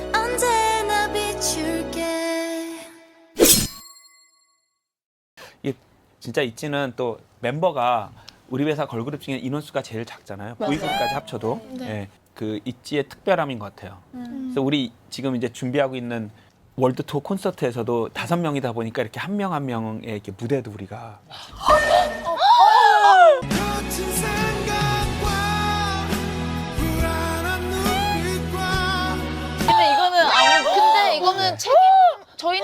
언제나 비출게. 이게 진짜 있지는 또 멤버가 우리 회사 걸그룹 중에 인원수가 제일 작잖아요. V그룹까지 합쳐도. 예, 그 있지의 특별함인 것 같아요. 그래서 우리 지금 이제 준비하고 있는 월드 투어 콘서트에서도 5명이다 보니까 이렇게 한 명 한 명의 이렇게 무대도 우리가 거친 생각과 불안한 눈빛과. 근데 이거는 책임 저희는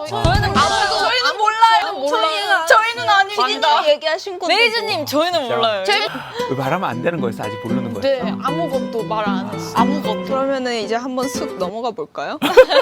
몰라요. 저희는 아닙니다. 얘기하신 건데. 메이저님 저희는 몰라요. 왜 말하면 안 되는 거였어? 아직 모르는 거였어? 네 아무것도 말 안 했어. 아무것도. 그러면은 이제 한번 쑥 넘어가 볼까요?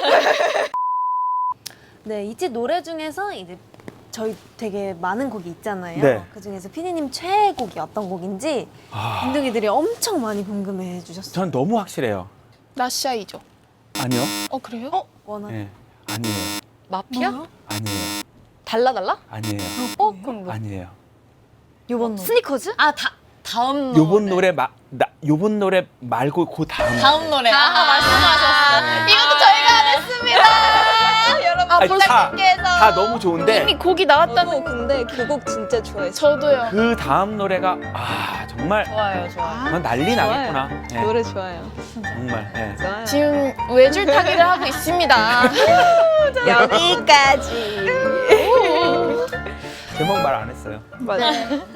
네, 있지 노래 중에서 이제 저희 되게 많은 곡이 있잖아요. 네. 그 중에서 피디님 최애곡이 어떤 곡인지 아, 빈둥이들이 엄청 많이 궁금해해 주셨어요. 전 너무 확실해요. 나샤이죠. 아니요. 그래요? 원하. 예, 아니에요. 마피아? 아니에요. 달라? 아니에요. 그럼 뭐? 아니에요. 요번 노래. 스니커즈? 다음 요번 노래 요번 노래 말고 그 다음 노래. 말씀하셨어요. 이것도 저희가 안 했습니다. 여러분 아니, 블랙님께서 다 너무 좋은데 이미 곡이 나왔다는. 저도 근데 그 곡 진짜 좋아했어요. 저도요. 그 다음 노래가 정말 좋아요. 정말 난리 나겠구나. 예, 노래 좋아요. 정말. 예. 좋아요. 지금 외줄타기를 하고 있습니다. 여기까지. 제목 말 안 했어요. 맞아요.